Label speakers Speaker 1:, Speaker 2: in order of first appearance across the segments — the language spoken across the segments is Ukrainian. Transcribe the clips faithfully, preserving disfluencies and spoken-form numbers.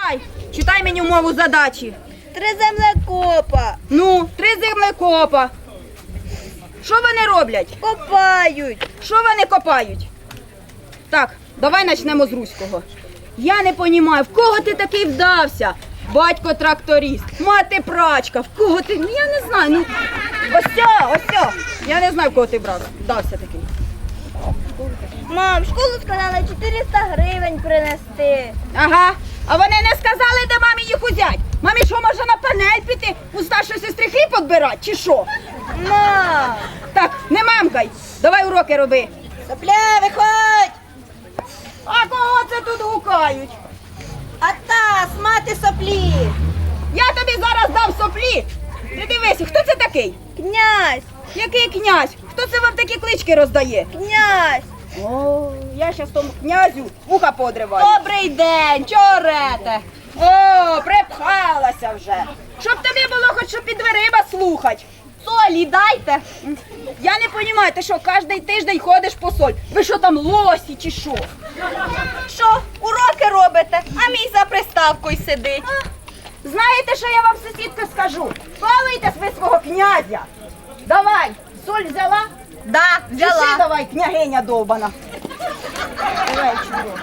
Speaker 1: Читай, читай мені умову задачі.
Speaker 2: Три землекопа.
Speaker 1: Ну, три землекопа. Що вони роблять?
Speaker 2: Копають.
Speaker 1: Що вони копають? Так, давай почнемо з руського. Я не розумію, в кого ти такий вдався? Батько тракторист, мати прачка, в кого ти? Ну я не знаю. Ну, ось ця, ось ця. Я не знаю, в кого ти брат, вдався такий.
Speaker 2: Мам, в школу сказали чотириста гривень принести.
Speaker 1: Ага. А вони не сказали, де мамі їх узять? Мамі що, може на панель піти, у старшої сестри хліб підбирати, чи що?
Speaker 2: Мам!
Speaker 1: Так, не мамкай, давай уроки роби.
Speaker 2: Сопля, виходь!
Speaker 1: А кого це тут гукають?
Speaker 2: Атас, мати соплі!
Speaker 1: Я тобі зараз дам соплі. Ти дивися, хто це такий?
Speaker 2: Князь!
Speaker 1: Який князь? Хто це вам такі клички роздає?
Speaker 2: Князь!
Speaker 1: О, я щас тому князю вуха подриваю.
Speaker 2: Добрий день, чого рете?
Speaker 1: О, припхалася вже. Щоб тобі було хоч що під дверима слухать.
Speaker 2: Солі дайте!
Speaker 1: Я не розумію, ти що, кожен тиждень ходиш по соль? Ви що там, лосі чи що?
Speaker 2: Що, уроки робите, а мій за приставкою сидить.
Speaker 1: Знаєте, що я вам, сусідка, скажу? Балуйте ви свого князя. Давай, соль взяла?
Speaker 2: Да,
Speaker 1: Чеши
Speaker 2: взяла.
Speaker 1: давай, княгиня довбана. Давай, чудо.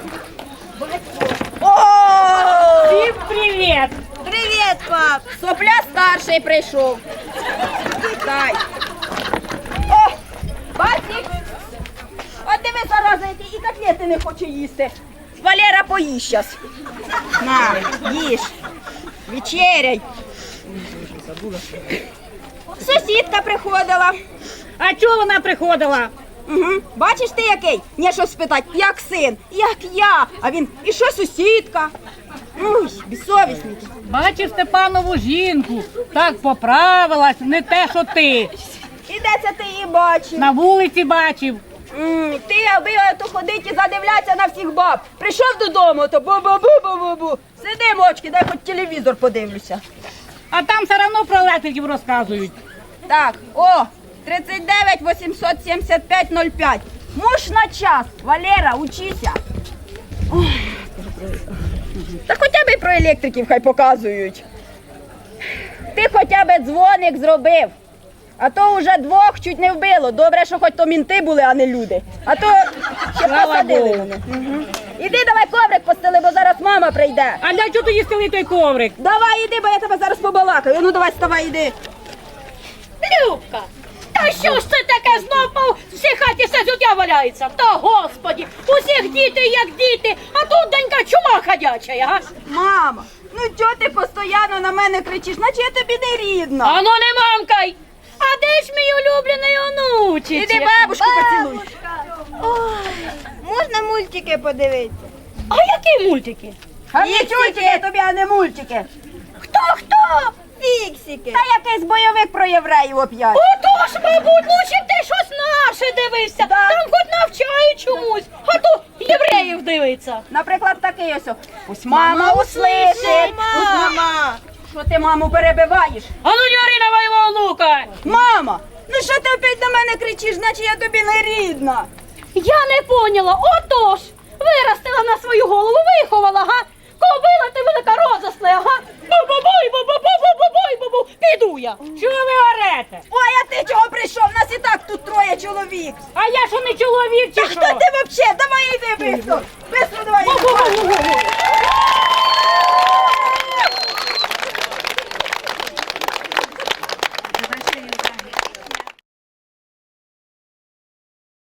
Speaker 1: О!
Speaker 3: Всім привіт!
Speaker 2: Привіт, пап!
Speaker 1: Сопля старший прийшов. Дай. О, бачиш? От диви, зараза, який і котлети не хоче їсти. Валера, поїсть щас. На, їж. Вечеряй. Сусідка приходила.
Speaker 3: А чого вона приходила?
Speaker 1: Угу. Бачиш ти який? Мені щось спитать, як син, як я. А він, і що сусідка? Ой, безсовісний.
Speaker 3: Бачив Степанову жінку, так поправилась, не те, що ти.
Speaker 1: І де це ти її бачив?
Speaker 3: На вулиці бачив.
Speaker 1: М, Ти, аби то ходить і задивлятися на всіх баб. Прийшов додому, то бу-бу-бу-бу-бу-бу. Сиди, мочки, дай хоч телевізор подивлюся.
Speaker 3: А там все одно про електриків розказують.
Speaker 1: Так, о, тридцять дев'ять вісімсот сімдесят п'ять ноль п'ять. Муж на час. Валера, учися. Ой, та хоча б і про електриків хай показують. Ти хоча б дзвоник зробив. А то вже двох чуть не вбило. Добре, що хоч то мінти були, а не люди. А то ще
Speaker 3: Слава
Speaker 1: посадили
Speaker 3: Богу.
Speaker 1: мене. Угу. Іди давай коврик постели, бо зараз мама прийде.
Speaker 3: А для чого тоді стели той коврик?
Speaker 1: Давай іди, бо я тебе зараз побалакаю. Ну давай, вставай, іди.
Speaker 4: Любка, та що ж це таке знов по всій хаті все життя валяється? Та господі, усіх діти як діти, а тут донька чума ходяча, га?
Speaker 1: Мама, ну чого ти постійно на мене кричиш, наче я тобі не рідна.
Speaker 4: Ану не мамкай! А де ж мій улюблений онучич?
Speaker 1: Іди бабушку поцілуй.
Speaker 2: Ой, можна мультики подивитися?
Speaker 4: А які мультики?
Speaker 1: А не чультики тобі, а не мультики.
Speaker 2: Хто, хто? Фіксики.
Speaker 1: Та якийсь бойовик про євреїв оп'ять.
Speaker 4: Отож, мабуть, лучше б ти щось наше дивився.
Speaker 1: Да.
Speaker 4: Там хоч навчають чомусь, а то євреїв дивиться.
Speaker 1: Наприклад, такий ось. о. Пусть мама услышить. Пусть мама. Що ти маму перебиваєш?
Speaker 4: Ану, не ори на моєго онука!
Speaker 1: Мама, ну що ти опять на мене кричиш, наче я тобі не рідна.
Speaker 4: Я не поняла, отож, виростила на свою голову, виховала, га? Кобила ти велика розосла, га? Бу-бу-буй, бу-бу-бу-бу-бу-буй, бу-бу. Піду я.
Speaker 3: Чого ви орете?
Speaker 1: Ой, а ти чого прийшов? Нас і так тут троє чоловік.
Speaker 3: А я що не чоловік чи
Speaker 1: Та
Speaker 3: що?
Speaker 1: хто ти взагалі? Давай йди, бистро. Бистро давай.
Speaker 4: Бу-бу-бу-бу-бу.